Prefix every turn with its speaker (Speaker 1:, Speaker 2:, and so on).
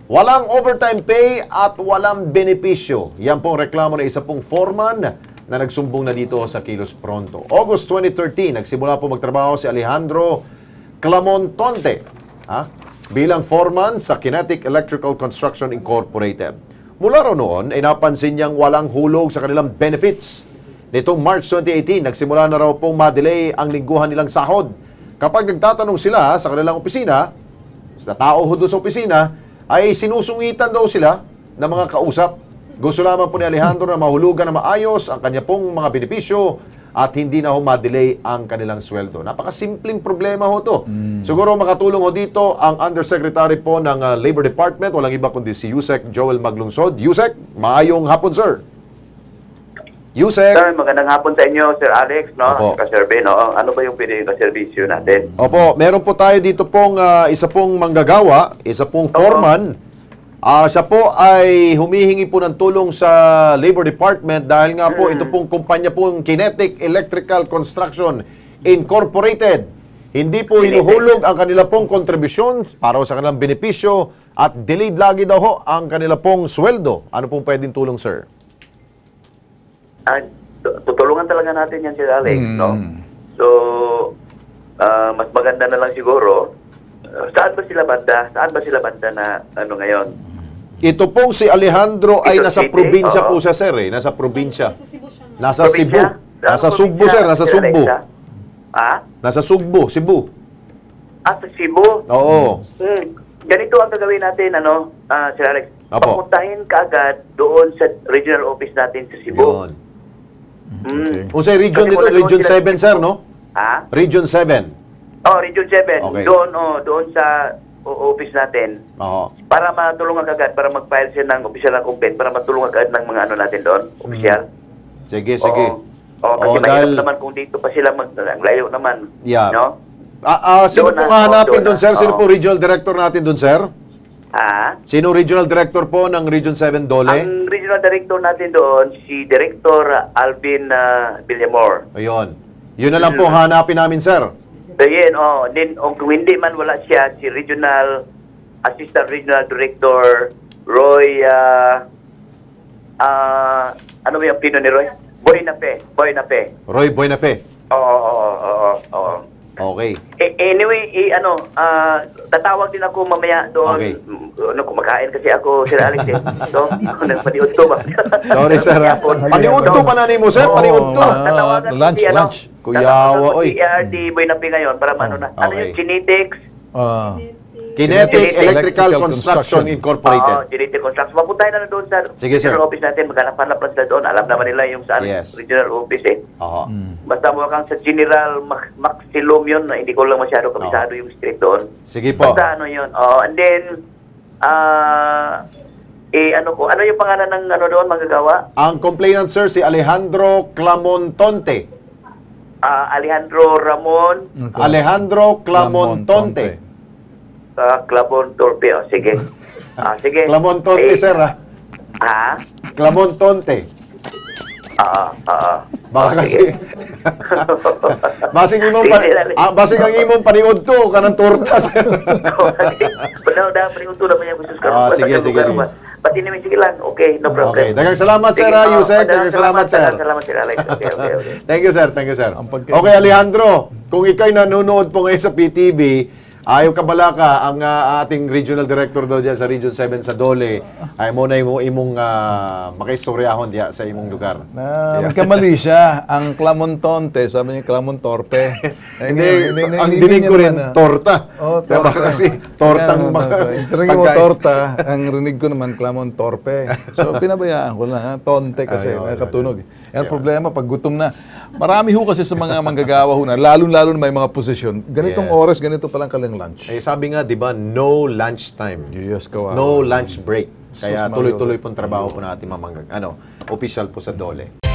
Speaker 1: Walang overtime pay at walang benepisyo. Yan pong reklamo ng isa pong foreman na nagsumbong na dito sa Kilos Pronto. August 2013, nagsimula po magtrabaho si Alejandro Clamontonte bilang foreman sa Kinetic Electrical Construction Incorporated. Mula raw noon, ay napansin niyang walang hulog sa kanilang benefits. Nitong March 2018, nagsimula na raw pong madelay ang lingguhan nilang sahod. Kapag nagtatanong sila sa kanilang opisina, sa tao doon sa opisina, ay sinusungitan daw sila ng mga kausap. Gusto lamang po ni Alejandro na mahulugan na maayos ang kanya pong mga benepisyo at hindi na ma-delay ang kanilang sweldo. Napakasimpleng problema ho to. Siguro makatulong ho dito ang Undersecretary po ng Labor Department, walang iba kundi si Yusek Joel Maglungsod. Yusek, maayong hapon, sir. Yusek.
Speaker 2: Sir, magandang hapon sa inyo, Sir Alex, no? Kaserve, no? Ano ba yung pinili na servisyo natin?
Speaker 1: Opo, meron po tayo dito pong isa pong manggagawa, isa pong foreman. Siya po ay humihingi po ng tulong sa Labor Department dahil nga po ito pong kumpanya pong Kinetic Electrical Construction Incorporated. Hindi po hinuhulog ang kanila pong kontribusyon para sa kanilang benepisyo at delayed lagi daw ho ang kanila pong sweldo. Ano pong pwedeng tulong, sir?
Speaker 2: Tutulungan talaga natin yan, Sir Alex, no? So, mas maganda na lang siguro, saan ba sila banda na ano ngayon?
Speaker 1: Ito pong si Alejandro ay
Speaker 2: Ito
Speaker 1: nasa
Speaker 2: city,
Speaker 1: probinsya po siya, sir, eh. Nasa probinsya. Nasa Cebu.
Speaker 2: Probinsya?
Speaker 1: Nasa
Speaker 2: Saan
Speaker 1: Sugbo,
Speaker 2: probinsya,
Speaker 1: sir. Nasa
Speaker 2: Sir
Speaker 1: Sugbo.
Speaker 2: Alexa?
Speaker 1: Nasa Sugbo, Cebu.
Speaker 2: Sa Cebu?
Speaker 1: Oo.
Speaker 2: Ganito ang gagawin natin, Sir Alex.
Speaker 1: Apo.
Speaker 2: Papuntahin ka agad doon sa regional office natin sa Cebu.
Speaker 1: Yun.
Speaker 3: Okay.
Speaker 1: Kung sa region
Speaker 2: Kasi
Speaker 1: dito,
Speaker 2: kung
Speaker 1: Region
Speaker 2: nandun sila
Speaker 1: 7, sir, no? Region 7.
Speaker 2: Region 7.
Speaker 1: Okay.
Speaker 2: Doon sa office natin.
Speaker 1: Oo.
Speaker 2: Para matulungan agad, para mag-file siya ng official na complaint, para matulungan agad ng mga ano natin doon, official.
Speaker 1: Sige, sige.
Speaker 2: Kasi mahirap naman kung dito pa sila ang layo naman.
Speaker 1: Yeah.
Speaker 2: No?
Speaker 1: Sino
Speaker 2: Doon
Speaker 1: pong
Speaker 2: na,
Speaker 1: hahanapin
Speaker 2: doon
Speaker 1: doon,
Speaker 2: na.
Speaker 1: sir? Sino
Speaker 2: Oo.
Speaker 1: po regional director natin doon, sir? Sino regional director po ng Region 7 Dole?
Speaker 2: Ang regional director natin doon, si Director Alvin Villamor.
Speaker 1: Ayun. Yun na lang po hanapin namin, sir.
Speaker 2: So yun, then kung hindi man wala siya, si Assistant Regional Director Roy, ano ba yung pino ni Roy? Boy Nape.
Speaker 1: Roy Buenafe.
Speaker 2: Oo.
Speaker 1: Okay.
Speaker 2: Anyway, tatawag din ako mamaya doon.
Speaker 1: Okay.
Speaker 2: Kumakain kasi ako, Sir Alex, eh. So, nagpaniud to ba?
Speaker 1: Sorry, sir. Paniud to pa na ni mo, sir. Paniud to.
Speaker 2: Tatawagan ko
Speaker 3: lunch,
Speaker 2: si,
Speaker 3: lunch.
Speaker 1: Kuyawa, oy.
Speaker 2: Si ERD Boy Napi ngayon para ano na. Ano
Speaker 1: Okay.
Speaker 2: yung genetics?
Speaker 1: Kinetic Electrical Construction Incorporated.
Speaker 2: Genetic construction. Mapuntahin na doon sa
Speaker 1: Sige, sir.
Speaker 2: regional office natin. Maghanap-hanap lang sila doon. Alam naman nila yung saan
Speaker 1: Yes.
Speaker 2: regional office eh.
Speaker 1: Oo.
Speaker 2: Basta mo kang sa General Maximum yun, hindi ko lang masyado kabisado yung street doon.
Speaker 1: Sige po.
Speaker 2: Basta ano yun. And then, ano yung pangalan ng ano doon, magagawa?
Speaker 1: Ang complainant, sir, si Alejandro Clamontonte.
Speaker 2: Alejandro Ramon
Speaker 1: Alejandro Clamontonte.
Speaker 2: Clabon Torpe. Sige. Sige.
Speaker 1: Clamontonte, sir, Clamontonte. Baka kasi. Basig ang imong paniud to kanang torta, sir.
Speaker 2: Daw paniud to naman yung gusto ko.
Speaker 1: Sige.
Speaker 2: Pati naman sige lang. Okay, no problem.
Speaker 1: Okay, daghang salamat, sir, Yusek. Daghang salamat, sir.
Speaker 2: Salamat, Sir Alex. Okay.
Speaker 1: Thank you, sir. Okay, Alejandro, kung ikaw'y nanonood po ngayon sa PTV, ayaw kabalaka ang ating regional director daw dyan sa Region 7 sa Dole. Ay mo na imong makaistoryahon diya sa imong lugar.
Speaker 3: Kamali siya. Ang Clamontonte, sabi niya Clamontorpe.
Speaker 1: Ang dinig ko rin, torta.
Speaker 3: Torta.
Speaker 1: Baka kasi tortang
Speaker 3: Tingin mo torta, ang rinig ko naman Clamontorpe. So pinabayaan ko lang, tonte kasi, nakatunog. Yan problema, pag gutom na. Marami ho kasi sa mga manggagawa ho na, lalo-lalo na may mga posisyon, ganitong oras, ganito palang kalang lunch.
Speaker 1: Sabi nga, di ba, no lunch time.
Speaker 3: Yes, kawawa.
Speaker 1: No lunch break. Kaya tuloy-tuloy pong trabaho po natin official po sa Dole.